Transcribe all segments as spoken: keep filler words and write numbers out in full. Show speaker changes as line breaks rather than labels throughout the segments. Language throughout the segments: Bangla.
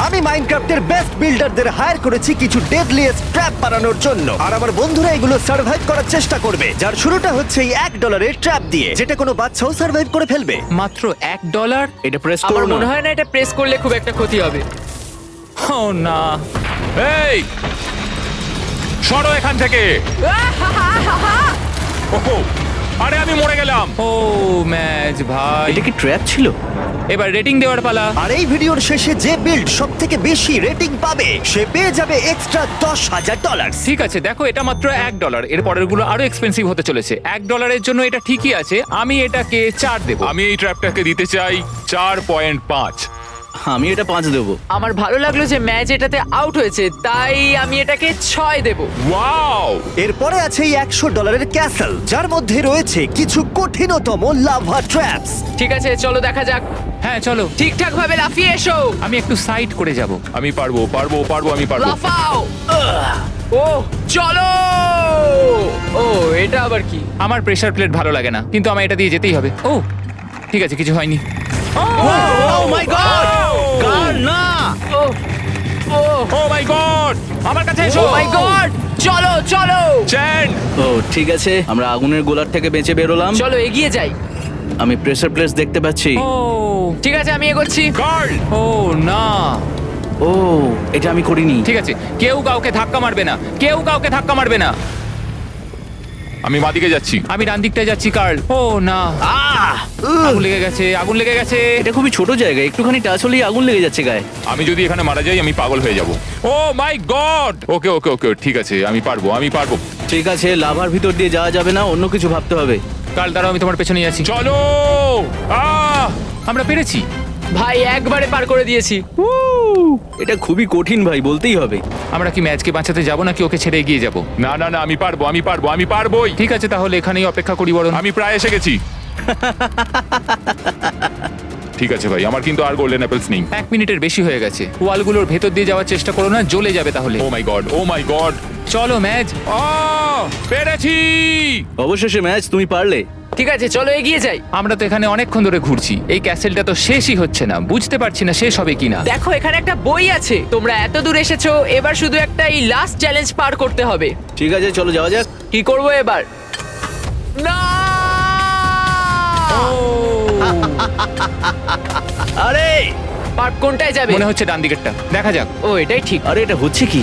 আমি মাইনক্রাফটের বেস্ট বিল্ডারদের হায়ার করেছি কিছু ডেডলিয়েস্ট ট্র্যাপ বানানোর জন্য, আর আমার বন্ধুরা এগুলো সার্ভাইভ করার চেষ্টা করবে। যার শুরুটা হচ্ছে এই এক ডলারের ট্র্যাপ দিয়ে, যেটা কোনো বাচ্চাও সার্ভাইভ করে ফেলবে।
মাত্র এক ডলার?
এটা প্রেস
আমার
করো না।
মনে হয় না এটা প্রেস করলে খুব একটা ক্ষতি হবে।
ও না,
এই সরো এখান থেকে। ওহো, আরে আমি মরে গেলাম।
ও ম্যাচ ভাই।
এটা কি ট্র্যাপ ছিল?
এবার রেটিং দেওয়ার পালা।
আর এই ভিডিওর শেষে যে বিল্ড সব থেকে বেশি রেটিং পাবে সে পেয়ে যাবে এক্সট্রা দশ হাজার ডলার।
ঠিক আছে, দেখো এটা মাত্র এক ডলার, এর পরের গুলো আরো এক্সপেন্সিভ হতে চলেছে। এক ডলারের জন্য এটা ঠিকই আছে, আমি এটাকে চার দেবো।
আমি এই ট্র্যাপটাকে দিতে চাই চার পয়েন্ট পাঁচ।
আমি এটা পাঁচ দেবো।
আমার ভালো লাগলো যে ম্যাচ এটাতে আউট হয়েছে, তাই আমি এটাকে ছয় দেব।
ওয়াও,
এরপরে আছে এই একশো ডলারের ক্যাসেল, যার মধ্যে রয়েছে কিছু কঠিনতম লাভা ট্র্যাপস।
ঠিক আছে, চলো দেখা যাক।
হ্যাঁ চলো,
ঠিকঠাক ভাবে লাফিয়ে এসো।
আমি একটু সাইড করে যাব।
আমি পারবো পারবো পারবো আমি পারবো।
লাফাও। ও চলো। ও এটা আবার কি?
আমার প্রেসার প্লেট ভালো লাগে না, কিন্তু আমার এটা দিয়ে যেতেই হবে। ও ঠিক আছে, কিছু হয়নি।
ও মাই গড! কার না!
ও ও
ও মাই গড, আমার কাছে
ও
এসো।
মাই গড, চলো চলো
চ্যান,
ও ঠিক আছে, আমরা আগুনের গোলার থেকে বেঁচে বেরোলাম।
চলো এগিয়ে যাই।
আমি প্রেসার প্লেস দেখতে পাচ্ছি।
ও
ঠিক আছে, আমি এগোচ্ছি।
গার্ল।
ও না,
ও এটা আমি করিনি।
ঠিক আছে, কেউ কাউকে ধাক্কা মারবে না, কেউ কাউকে ধাক্কা মারবে না।
আমি বাদিকে যাচ্ছি।
আমি ডান দিকটায় যাচ্ছি কার্ল। ও না,
আহ!
আগুন লেগে গেছে, আগুন লেগে গেছে।
এটা খুবই ছোট জায়গা, একটুখানি টাচ হলেই আগুন লেগে যাচ্ছে গায়ে।
আমি যদি এখানে মারা যাই আমি পাগল হয়ে যাব। ও মাই গড। ওকে ওকে ওকে ঠিক আছে, আমি পারবো আমি পারবো।
ঠিক আছে, লাভার ভিতর দিয়ে যাওয়া যাবে না, অন্য কিছু ভাবতে হবে।
কার্ল দাঁড়াও, আমি তোমার পেছনে যাচ্ছি।
চলো। আহ
আমরা পেরেছি।
ভাই একবারে পার করে দিয়েছি।
এটা খুবই কঠিন ভাই, বলতেই হবে।
আমরা কি ম্যাচকে বাঁচাতে যাবো নাকি ওকে ছেড়ে এগিয়ে যাবো?
না না না, আমি পারবো আমি পারবো আমি পারবোই।
ঠিক আছে, তাহলে এখানেই অপেক্ষা করি বরং।
আমি প্রায় এসে গেছি। ঠিক আছে ভাই, আমার কিন্তু আর গোল্ডেন অ্যাপেলস নেই।
এক মিনিটের বেশি হয়ে গেছে। ওয়ালগুলোর ভেতর দিয়ে যাওয়ার চেষ্টা করো না, জ্বলে যাবে তাহলে।
Oh my god oh my god.
চলো ম্যাচ।
আহ পেরেছি।
অবশেষে ম্যাচ, তুমি পারলে।
ঠিক আছে, চলো এগিয়ে যাই।
আমরা তো এখানে অনেকক্ষণ ধরে ঘুরছি, এই ক্যাসেলটা তো শেষই হচ্ছে না, বুঝতে পারছি না শেষ হবে কিনা।
দেখো এখানে একটা বই আছে। তোমরা এত দূর এসেছো, এবার শুধু একটা এই লাস্ট চ্যালেঞ্জ পার করতে হবে।
ঠিক আছে, চলো যাওয়া যাক।
কি করবো এবার? না
আরে
পার্ক কোনটায় যাবে?
মনে হচ্ছে ডান দিকেরটা, দেখা যাক।
ও এটাই ঠিক।
আরে এটা হচ্ছে কি?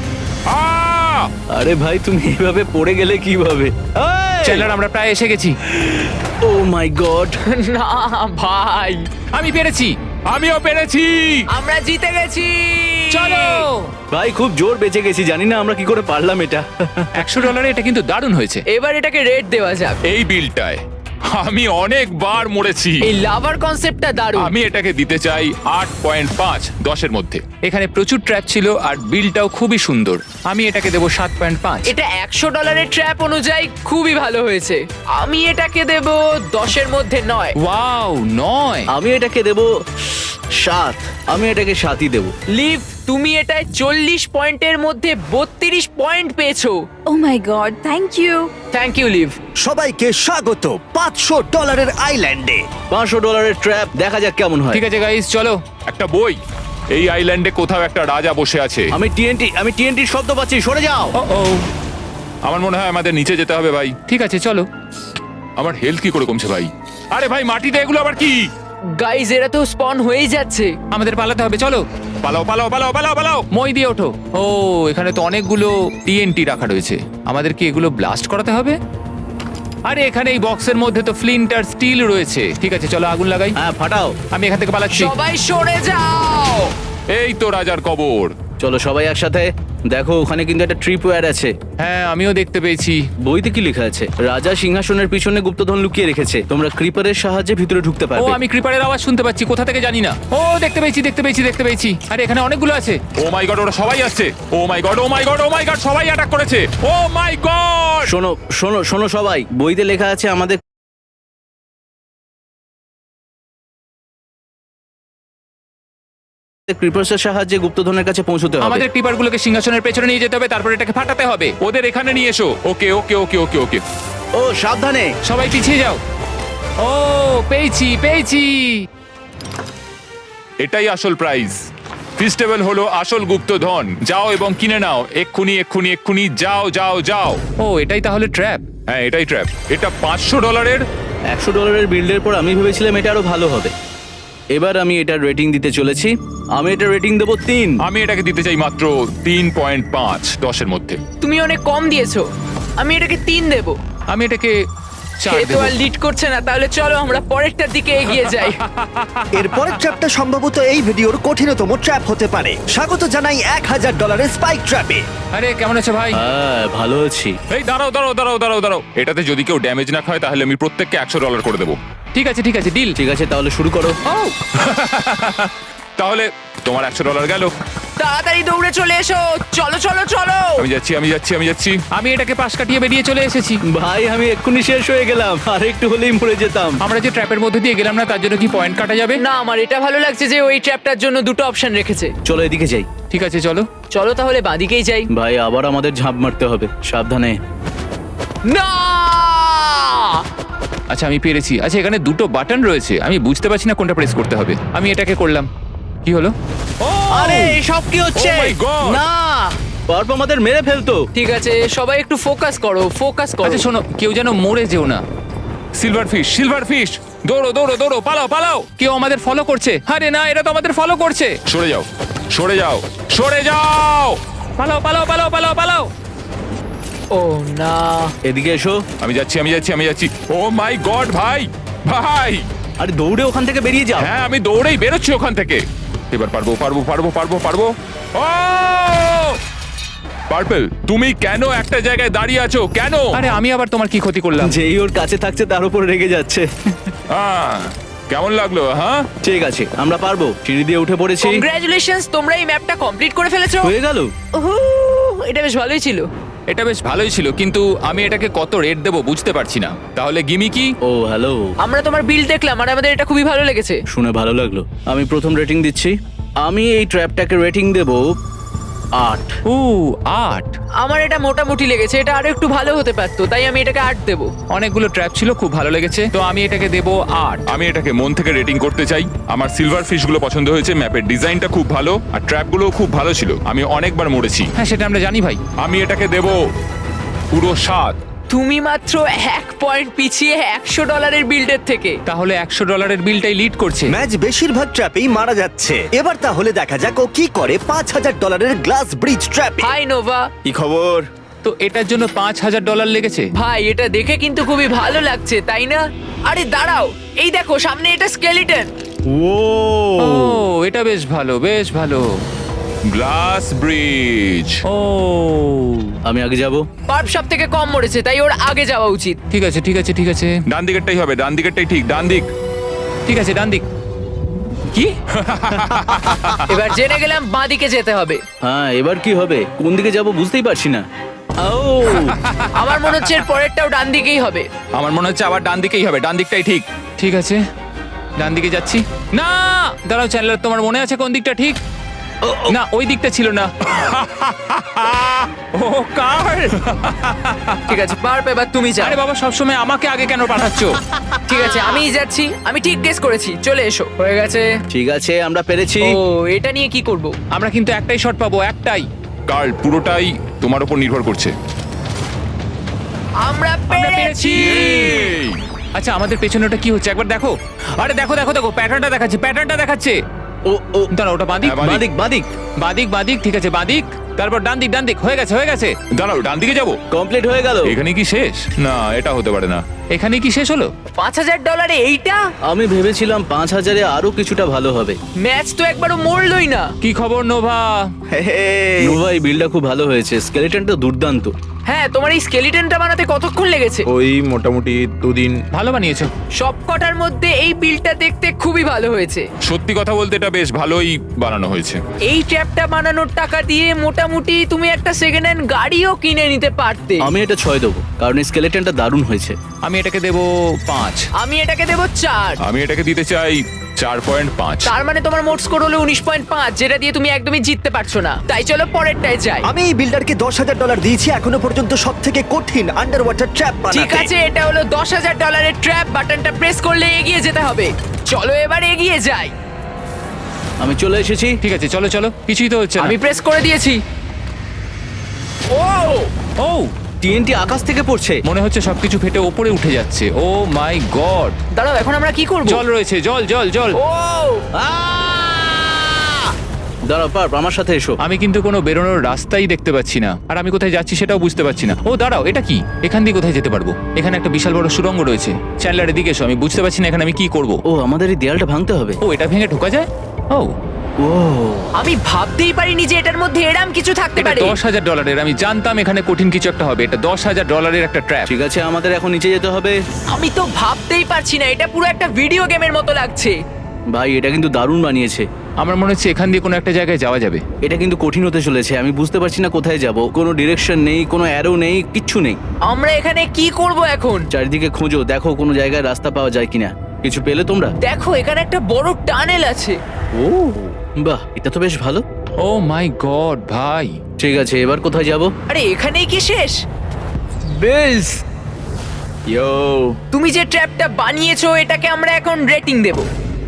আহ
আরে ভাই, তুমি এইভাবে পড়ে গেলে কিভাবে?
চ্যানেলার আমরা প্রায় এসে গেছি।
Oh my god!
না ভাই,
আমি পেরেছি।
আমিও পেরেছি।
আমরা জিতে গেছি।
চলো।
ভাই খুব জোর বেঁচে গেছি, জানি না আমরা কি করে পারলাম এটা।
একশো ডলারে এটা কিন্তু দারুণ হয়েছে।
এবার এটাকে রেট দেওয়া যাক।
এই বিলটায় আমি অনেকবার মরেছি।
এই লাভার কনসেপ্টটা দারুণ।
আমি এটাকে দিতে চাই আট পয়েন্ট পাঁচ দশের মধ্যে।
এখানে প্রচুর ট্র্যাপ ছিল আর বিলটাও খুবই সুন্দর। আমি এটাকে দেবো সাত পয়েন্ট পাঁচ।
এটা একশো ডলারের ট্র্যাপ অনুযায়ী খুবই ভালো হয়েছে। আমি এটাকে দেব দশের মধ্যে নয়।
ওয়াও, নয়।
আমি এটাকে দেব সাত। আমি এটাকে সাতই দেব।
লিভ, তুমি এটায় চল্লিশ পয়েন্টের মধ্যে বত্রিশ পয়েন্ট পেয়েছো।
Oh my god, thank you.
Thank you Liv.
সবাইকে স্বাগত পাঁচশো ডলারের আইল্যান্ডে।
পাঁচশো ডলারের ট্র্যাপ, দেখা যাক কেমন হয়।
ঠিক আছে গাইস, চলো।
একটা বই। এই আইল্যান্ডে কোথাও একটা রাজা বসে আছে।
আমি টিএনটি আমি টিএনটির শব্দ পাচ্ছি, সরে যাও।
ও ও,
আমার মনে হয় আমাদের নিচে যেতে হবে ভাই।
ঠিক আছে চলো।
আমার হেলথ কি করে কমছে ভাই? আরে ভাই, মাটিতে এগুলো আবার কি?
গাইজ, এরা তো স্পন হয়েই যাচ্ছে।
আমাদের পালাতে হবে, চলো।
পালাও পালাও পালাও পালাও পালাও।
মই দিয়ে ওঠো। ও, এখানে তো অনেকগুলো টিএনটি রাখা রয়েছে। আমাদের কি এগুলো ব্লাস্ট করাতে হবে? আরে এখানে এই বক্সের মধ্যে তো ফ্লিন্ট আর স্টিল রয়েছে। ঠিক আছে, চলো আগুন লাগাই।
হ্যাঁ, ফাটাও।
আমি এখান থেকে পালাচ্ছি।
সবাই সরে যাও।
এই তো রাজার কবর।
চলো সবাই একসাথে। দেখো ওখানে কিন্তু একটা ট্রিপওয়্যার আছে।
হ্যাঁ, আমিও দেখতে পেয়েছি।
বইতে কি লেখা আছে? রাজা সিংহাসনের পিছনে গুপ্তধন লুকিয়ে রেখেছে, তোমরা ক্রিপারের সাহায্যে ভিতরে ঢুকতে
ও,
পারবে।
আমি ক্রিপারের আওয়াজ শুনতে পাচ্ছি, কোথা থেকে জানি না। ও, দেখতে পেয়েছি দেখতে পেয়েছি দেখতে পেয়েছি। আরে এখানে অনেকগুলো আছে।
ও মাই গড, ওরা সবাই আসছে। Oh my god oh my god oh my god, সবাই অ্যাটাক করেছে। Oh my god.
শোনো শোনো শোনো সবাই, বইতে লেখা আছে আমাদের ক্রিপার্সের সাহায্যে গুপ্তধনের কাছে পৌঁছতে হবে।
আমাদের ক্রিপারগুলোকে সিংহাসনের পেছনে নিয়ে যেতে হবে, তারপর এটাকে ফাটাতে হবে।
ওদের এখানে নিয়ে এসো। ওকে ওকে ওকে ওকে ওকে।
ও সাবধানে।
সবাই পিছিয়ে যাও। ও, পেয়েছি পেয়েছি।
এটাই আসল প্রাইজ। ফিস্টেবল হলো আসল গুপ্তধন। যাও এবং কিনে নাও এক্ষুনি এক্ষুনি এক্ষুনি, যাও যাও যাও।
ও এটাই তাহলে ট্র্যাপ।
হ্যাঁ এটাই ট্র্যাপ। এটা পাঁচশো ডলারের।
একশো ডলারের বিল্ডের পর আমি ভেবেছিলাম এটা আরো ভালো হবে। এবার আমি এটার রেটিং দিতে চলেছি। আমি এটা রেটিং দেবো তিন।
আমি এটাকে দিতে চাই মাত্র তিন পয়েন্ট পাঁচ দশের মধ্যে।
তুমি অনেক কম দিয়েছো, আমি এটাকে তিন দেবো।
আমি এটাকে চার
সে তো
দেবো।
আর লিড করছে না, তাহলে চলো আমরা পরেরটার দিকে এগিয়ে যাই।
এর পরের ট্র্যাপটা সম্ভবত এই ভিডিওর কঠিনতম ট্র্যাপ হতে পারে। স্বাগত জানাই এক হাজার ডলারের স্পাইক ট্র্যাপে।
আরে কেমন আছো ভাই?
হ্যাঁ ভালো আছি।
এই দাঁড়াও দাঁড়াও দাঁড়াও দাঁড়াও দাঁড়াও, এটাতে যদি কেউ ড্যামেজ না খায় তাহলে আমি প্রত্যেককে একশো ডলার করে দেবো।
ঠিক আছে ঠিক আছে, ডিল।
ঠিক আছে তাহলে শুরু করো।
তাহলে তোমার একশো ডলার গেল।
তাড়াতাড়ি দৌড়ে চলে এসো, চলো চলো চলো।
আমি যাচ্ছি আমি যাচ্ছি আমি যাচ্ছি।
আমি এটাকে পাশ কাটিয়ে বেরিয়ে চলে এসেছি।
ভাই আমি এক্ষুনি শেষ হয়ে গেলাম, আর একটু হলেই মরে যেতাম।
আমরা যে ট্র্যাপের মধ্যে দিয়ে গেলাম না, তার জন্য কি পয়েন্ট কাটা যাবে?
না, আমার এটা ভালো লাগছে যে ওই ট্র্যাপটার জন্য দুটো অপশন রেখেছে।
চলো এদিকে যাই।
ঠিক আছে চলো।
চলো তাহলে বাঁদিকেই যাই।
ভাই আবার আমাদের ঝাঁপ মারতে হবে, সাবধানে।
না,
আচ্ছা আমি পেরেছি। আচ্ছা এখানে দুটো বাটন রয়েছে, আমি বুঝতে পারছি না কোনটা প্রেস করতে হবে। আমি এটাকে করলাম। কি হলো?
আরে সব কি হচ্ছে?
Oh my God!
না, পারপ আমাদের মেরে ফেলতো।
ঠিক আছে সবাই একটু ফোকাস করো, ফোকাস করো।
আচ্ছা শোনো, কেউ যেন মরে যেও না।
সিলভার ফিশ সিলভার ফিশ, দৌড়ো দৌড়ো দৌড়ো, পালাও পালাও।
কেউ আমাদের ফলো করছে। আরে না, এরা তো আমাদের ফলো করছে।
সরে যাও সরে যাও সরে যাও।
পালাও পালাও পালাও পালাও পালাও।
ও না,
এদিকে এসো।
আমি যাচ্ছি আমি যাচ্ছি আমি যাচ্ছি। ও মাই গড ভাই ভাই।
আরে দৌড়ে ওখান থেকে বেরিয়ে যাও।
হ্যাঁ আমি দৌড়েই বেরোচ্ছি ওখান থেকে। এবার পারবো পারবো পারবো পারবো পারবো। ও পার্পল, তুমি কেন একটা জায়গায় দাঁড়িয়ে আছো কেন?
আরে আমি আবার তোমার কি ক্ষতি করলাম?
যেই ওর কাছে থাকছে তার উপর রেগে যাচ্ছে।
আহ, কেমন লাগলো হ্যাঁ?
ঠিক আছে আমরা পারবো। সিঁড়ি দিয়ে উঠে পড়েছি।
কংগ্রাচুলেশনস, তোমরা এই ম্যাপটা কমপ্লিট করে ফেলেছো।
হয়ে গেল।
উহু, এটা বেশ ভালোই ছিল।
এটা বেশ ভালোই ছিল, কিন্তু আমি এটাকে কত রেট দেবো বুঝতে পারছি না। তাহলে গিমি কি?
ও হ্যালো,
আমরা তোমার বিল দেখলাম আর আমাদের এটা খুবই ভালো লেগেছে।
শুনে ভালো লাগলো। আমি প্রথম রেটিং দিচ্ছি। আমি এই ট্র্যাপটাকে রেটিং দেব আট।
ও আট।
আমার এটা মোটামুটি লেগেছে, এটা আরো একটু ভালো হতে পারতো, তাই আমি এটাকে আট দেবো।
অনেকগুলো ট্র্যাপ ছিল, খুব ভালো লেগেছে, তো আমি এটাকে দেবো আট।
আমি এটাকে মন থেকে রেটিং করতে চাই। আমার সিলভার ফিশ গুলো পছন্দ হয়েছে, ম্যাপের ডিজাইনটা খুব ভালো, আর ট্র্যাপ গুলো খুব ভালো ছিল। আমি অনেকবার মরেছি।
হ্যাঁ সেটা আমরা জানি ভাই।
আমি এটাকে দেব পুরো সাত।
তুমি মাত্র এক পয়েন্ট পিছিয়ে একশো ডলারের বিল্ডের থেকে।
তাহলে একশো ডলারের বিলটাই লিড করছে।
ম্যাচ বেশিরভাগ ট্র্যাপেই মারা যাচ্ছে। এবার তাহলে দেখা যাক ও কি করে পাঁচ হাজার ডলারের গ্লাস ব্রিজ ট্র্যাপে।
হাই নোভা,
কি খবর?
তো এটার জন্য পাঁচ হাজার ডলার লেগেছে।
ভাই এটা দেখে কিন্তু খুবই ভালো লাগছে, তাই না? আরে দাঁড়াও, এই দেখো সামনে এটা স্কেলিটন।
ও
ও এটা বেশ ভালো, বেশ ভালো।
Glass bridge.
ও
আমি আগে যাব।
পার্প সব থেকে কম মরেছে, তাই ওর আগে যাওয়া উচিত।
ঠিক আছে ঠিক আছে ঠিক আছে
ডান দিকেরটাই হবে, ডান দিকেরটাই ঠিক, ডান দিক।
ঠিক আছে, ডান দিক। কি?
এবার জেনে গেলাম বাঁ দিকে যেতে হবে।
হ্যাঁ এবার কি হবে? কোন দিকে যাব বুঝতেই পারছি না। ও
আমার মনে হচ্ছে এর পরেরটাও ডান দিকেই হবে।
আমার মনে হচ্ছে আবার ডান দিকেই হবে, ডান দিকটাই ঠিক। ঠিক আছে, ডান দিকে যাচ্ছি। না দাঁড়াও চ্যানেলার, তোমার মনে আছে কোন দিকটা ঠিক? না ওই দিকটা ছিল না। ও কার?
ঠিক আছে পার্প, এবার তুমি যাও।
আরে বাবা, সবসময় আমাকে আগে কেন পাঠাচ্ছ?
ঠিক আছে আমিই যাচ্ছি, আমি ঠিক গেস করেছি। চলে এসো, হয়ে গেছে।
ঠিক আছে আমরা পেরেছি।
ও এটা নিয়ে কি করব?
আমরা কিন্তু একটাই শট পাবো, একটাই।
কার্ল, পুরোটাই তোমার উপর নির্ভর করছে।
আমরা
পেরেছি।
পেরেছি।
এই,
আচ্ছা আমাদের পেছনে ওটা কি হচ্ছে একবার দেখো। আরে দেখো দেখো দেখো, প্যাটার্নটা দেখাচ্ছে, প্যাটার্নটা দেখাচ্ছে।
ও ও
দাঁড়া, ওটা বাদিক
হ্যাঁ, বাদিক।
বাদিক বাদিক।
বাদিক বাদিক, ঠিক আছে বাদিক, তারপর ডান দিক ডান দিক। হয়ে গেছে হয়ে গেছে।
দাঁড়াও, ডান দিকে যাবো।
কমপ্লিট হয়ে গেল।
এখানে কি শেষ? না, এটা হতে পারে না।
এখানে কি শেষ হলো?
পাঁচ হাজার ডলারে এইটা?
আমি ভেবেছিলাম পাঁচ হাজারে আরো কিছুটা ভালো হবে।
ম্যাচ তো একবারও মরলই না।
কি খবর নোভা?
নোভা এই বিলটা খুব ভালো হয়েছে, স্কেলেটনটা দুর্দান্ত।
হ্যাঁ, তোমার এই স্কেলিটনটা বানাতে কতক্ষণ লেগেছে?
ওই মোটামুটি দুদিন।
ভালো বানিয়েছো।
সব কটার মধ্যে এই বিলটা দেখতে খুবই ভালো হয়েছে।
সত্যি কথা বলতে এটা বেশ ভালোই বানানো হয়েছে।
এই ট্র্যাপটা বানানোর টাকা দিয়ে মোটামুটি তুমি একটা সেকেন্ড হ্যান্ড গাড়িও কিনে নিতে পারতে।
আমি এটা ছয় দেবো, কারণ এই স্কেলেটনটা দারুণ হয়েছে।
আমি এটাকে দেবো পাঁচ।
আমি এটাকে দেবো চার।
আমি এটাকে দিতে চাই চার পয়েন্ট পাঁচ।
তার মানে তোমার মোট স্কোর হলো উনিশ পয়েন্ট পাঁচ, যেটা দিয়ে তুমি একদমই জিততে পারছো না। তাই চলো পরেরটায় যাই।
আমি এই বিল্ডারকে দশ হাজার ডলার দিয়েছি এখনো পর্যন্ত সব থেকে কঠিন আন্ডার ওয়াটার ট্র্যাপ বানাতে।
ঠিক আছে, এটা হলো দশ হাজার ডলারের ট্র্যাপ। বাটনটা প্রেস করলে এগিয়ে যেতে হবে। চলো এবার এগিয়ে যাই।
আমি চলে এসেছি।
ঠিক আছে চলো চলো, কিছুই তো হচ্ছে না।
আমি প্রেস করে দিয়েছি। ও
ও
টিএনটি আকাশ থেকে পড়ছে।
মনে হচ্ছে সবকিছু ফেটে ওপরে উঠে যাচ্ছে। Oh my god!
দাঁড়াও, এখন আমরা কি করব?
জল রয়েছে, জল জল জল।
ও
আহ! দাঁড়াও পার্প, আমার সাথে এসো।
আমি কিন্তু কোনো বেরোনোর রাস্তাই দেখতে পাচ্ছি না, আর আমি কোথায় যাচ্ছি সেটাও বুঝতে পারছি না। ও দাঁড়াও, এটা কি? এখান দিয়ে কোথায় যেতে পারবো? এখানে একটা বিশাল বড় সুড়ঙ্গ রয়েছে। চ্যান্ডলার এদিকে এসো, আমি বুঝতে পারছি না এখানে আমি কি করব।
ও, আমাদের এই দেয়ালটা ভাঙতে হবে।
ও এটা ভেঙে ঢোকা যায়? ও
ও
আমি ভাবতেই পারিনি যে এটার মধ্যে এরম কিছু থাকতে
এটা
পারে।
দশ হাজার ডলারের। আমি জানতাম এখানে কঠিন কিছু একটা হবে। এটা দশ হাজার ডলারের একটা ট্র্যাপ।
ঠিক আছে, আমাদের এখন নিচে যেতে হবে।
আমি তো ভাবতেই পারছি না, এটা পুরো একটা ভিডিও গেমের মতো লাগছে।
ভাই, এটা কিন্তু দারুণ বানিয়েছে।
আমার মনে হচ্ছে এখান দিয়ে কোনো একটা জায়গায় যাওয়া যাবে।
এটা কিন্তু কঠিন হতে চলেছে। আমি বুঝতে পারছি না কোথায় যাব। কোনো ডিরেকশন নেই, কোনো অ্যারো নেই, কিচ্ছু নেই।
আমরা এখানে কি করব এখন?
চারিদিকে খোঁজো, দেখো কোনো জায়গায় রাস্তা পাওয়া যায় কিনা। কিছু পেলে তোমরা?
দেখো, এখানে একটা বড় টানেল আছে।
ও বাহ, এটা তো বেশ ভালো।
ও মাই গড ভাই!
ঠিক আছে, এবার কোথায় যাব?
আরে এখানেই কি শেষ? বেলস,
ইয়ো,
তুমি যে ট্র্যাপটা বানিয়েছো এটাকে আমরা এখন রেটিং দেব।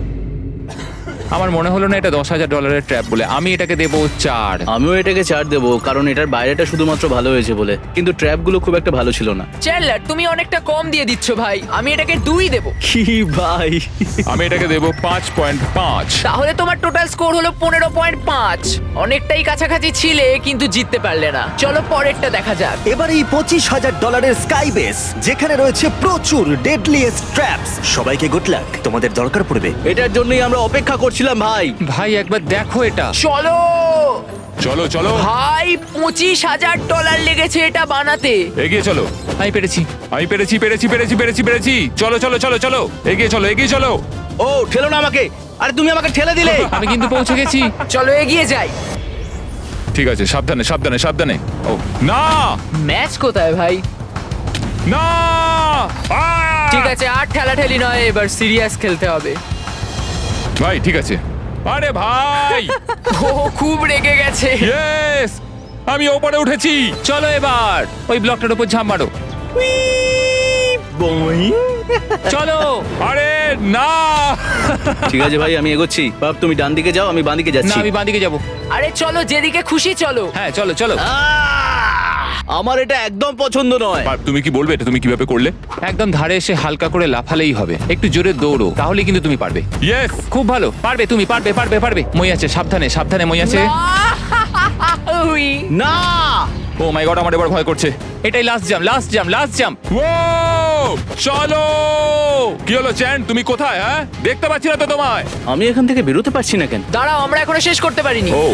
আমার মনে হলো না এটা দশ হাজার ডলারের ট্র্যাপ বলে। আমি এটাকে দেবো চার।
আমিও এটাকে চার দেবো, কারণ এটার বাইরেটা শুধুমাত্র ভালো হয়েছে বলে, কিন্তু ট্র্যাপগুলো খুব একটা ভালো ছিল না।
চ্যান্ডলার, তুমি অনেকটা কম দিয়ে দিচ্ছ ভাই। আমি এটাকে দুই দেব।
কি ভাই!
আমি এটাকে দেবো পাঁচ পয়েন্ট পাঁচ।
তাহলে তোমার টোটাল স্কোর হলো পনেরো পয়েন্ট পাঁচ। অনেকটাই কাছাকাছি ছিলে, কিন্তু জিততে পারলে না। চলো পরেরটা দেখা যাক।
এবার এই পঁচিশ হাজার ডলারের স্কাই বেস, যেখানে রয়েছে প্রচুর ডেডলিয়েস্ট ট্র্যাপস। সবাইকে গুড লাক, তোমাদের দরকার পড়বে।
এটার জন্যই আমরা অপেক্ষা করছিলাম ভাই।
ভাই একবার দেখো এটা।
চলো
চলো চলো
ভাই, পঁচিশ হাজার ডলার লেগেছে এটা বানাতে।
এগিয়ে চলো।
আমি পেরেছি।
আমি পেরেছি পেরেছি পেরেছি পেরেছি পেরেছি চলো চলো চলো চলো এগিয়ে চলো এগিয়ে চলো।
ও, ঠেলো না আমাকে। আরে তুমি আমাকে ঠেলে দিলে।
আমি কিন্তু পৌঁছে গেছি।
চলো এগিয়ে যাই।
ঠিক আছে, সাবধানে সাবধানে সাবধানে। ও না
ম্যাচ কোথায় ভাই?
না আহ!
ঠিক আছে, আর ঠেলাঠেলি নয়, এবার সিরিয়াস খেলতে হবে।
ভাই ঠিক আছে। আরে ভাই
ও খুব রেগে গেছে।
ইয়েস, আমি ওপরে উঠেছি।
চলো এবার ওই ব্লকটার উপর ঝাঁপ মারো। চলো।
আরে না
ঠিক আছে ভাই, আমি এগোচ্ছি। বাপ, তুমি ডান দিকে যাও, আমি বাঁ দিকে
না
যাচ্ছি।
আমি বাঁদিকে যাবো।
আরে চলো, যেদিকে খুশি চলো।
হ্যাঁ চলো চলো।
আহ! আমার এটা একদম পছন্দ নয়।
আর তুমি কি বলবে এটা তুমি কিভাবে করলে?
একদম ধারে এসে হালকা করে লাফালেই হবে। একটু জোরে দৌড়ো, তাহলে কিন্তু তুমি পারবে।
ইয়েস,
খুব ভালো, পারবে তুমি, পারবে পারবে পারবে। মই আছে, সাবধানে সাবধানে মই আছে।
উই।
না,
ও মাই গড, আমার এবার ভয় করছে। এটাই last jump, last jump, last jump.
ও চলো। কি হলো চ্যান, তুমি কোথায়? হ্যাঁ, দেখতে পাচ্ছি না তো তোমায়।
আমি এখান থেকে বেরোতে পারছি না কেন?
দাঁড়াও, আমরা এখনো শেষ করতে পারিনি।
ও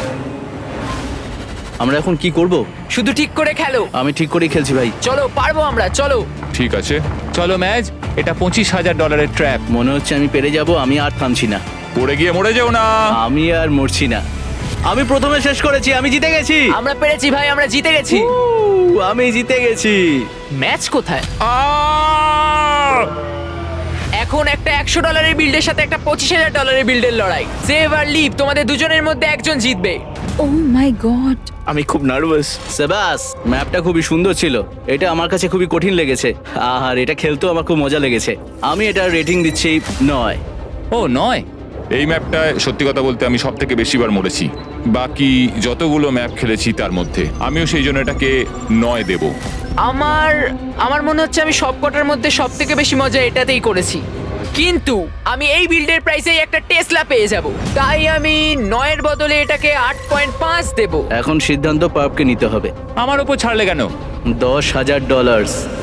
আমরা এখন কি করব?
শুধু ঠিক করে খেলো।
আমি ঠিক করেই খেলছি ভাই।
চলো, পারবো আমরা, চলো।
ঠিক আছে,
চলো ম্যাচ। এটা পঁচিশ হাজার ডলারের ট্র্যাপ।
মনে হচ্ছে আমি পেরে যাব। আমি আর থামছি না।
পড়ে গিয়ে মরে যেও না।
আমি আর মরছি না। আমি প্রথমে শেষ করেছি, আমি জিতে গেছি।
আমরা পেরেছি ভাই, আমরা জিতে গেছি।
উহ, আমি জিতে গেছি।
ম্যাচ কোথায়?
আহ!
এখন একটা একশো ডলারের বিল্ডের সাথে একটা পঁচিশ হাজার ডলারের বিল্ডের লড়াই। সেভ আর লিভ, তোমাদের দুজনের মধ্যে একজন জিতবে।
Oh my god.
আমি খুব নার্ভাস।
সেবাস, ম্যাপটা খুবই সুন্দর ছিল। এটা আমার কাছে খুবই কঠিন লেগেছে, আর এটা খেলতেও আমার খুব মজা লেগেছে। আমি এটা রেটিং দিচ্ছি নয়।
ও নয়।
এই ম্যাপটায় সত্যি কথা বলতে আমি সব থেকে বেশিবার মরেছি বাকি যতগুলো ম্যাপ খেলেছি তার মধ্যে। আমিও সেই জন্য এটাকে নয় দেব।
আমার আমার মনে হচ্ছে আমি সবকটার মধ্যে সব থেকে বেশি মজা এটাতেই করেছি, কিন্তু আমি এই বিল্ডের প্রাইসেই একটা টেসলা পেয়ে যাব, তাই আমি নয়ের বদলে এটাকে আট পয়েন্ট পাঁচ দেব।
এখন সিদ্ধান্ত পার্পকে নিতে হবে।
আমার উপর ছাড়লে কেন?
দশ হাজার ডলার।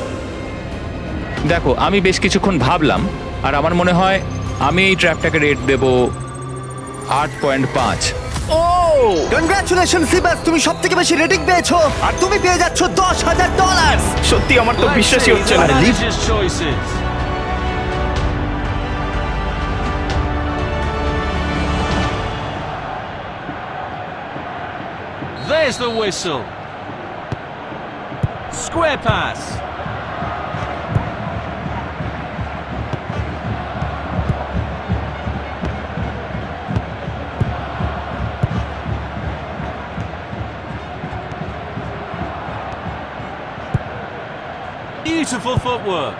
দেখো, আমি বেশ কিছুক্ষণ ভাবলাম, আর আমার মনে হয় আমি এই ট্র্যাপটাকে রেট দেব আট পয়েন্ট পাঁচ।
ও
কনগ্রাচুলেশন সিবাস, তুমি সব থেকে বেশি রেটিং পেয়েছো আর তুমি পেয়ে যাচ্ছ দশ হাজার ডলার।
সত্যি আমার তো বিশ্বাসই হচ্ছে না।
আরে Liv,
There's the whistle. Square pass. Beautiful footwork.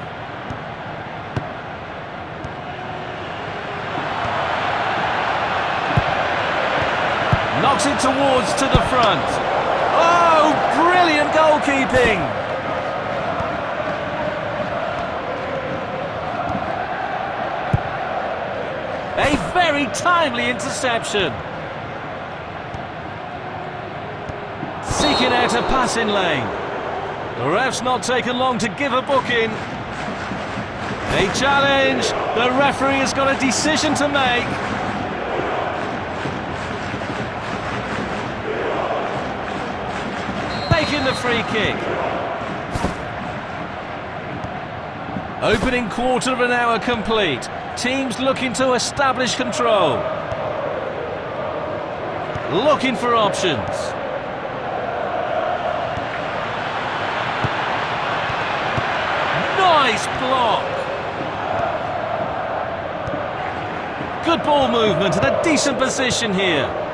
Knocks it towards to the front. Oh, brilliant goalkeeping. A very timely interception. Seeking out a passing lane. The ref's not taken long to give a booking. A challenge. The referee has got a decision to make. Taking the free kick. Opening quarter of an hour complete. Teams looking to establish control. Looking for options. Nice block. Good ball movement and a decent position here.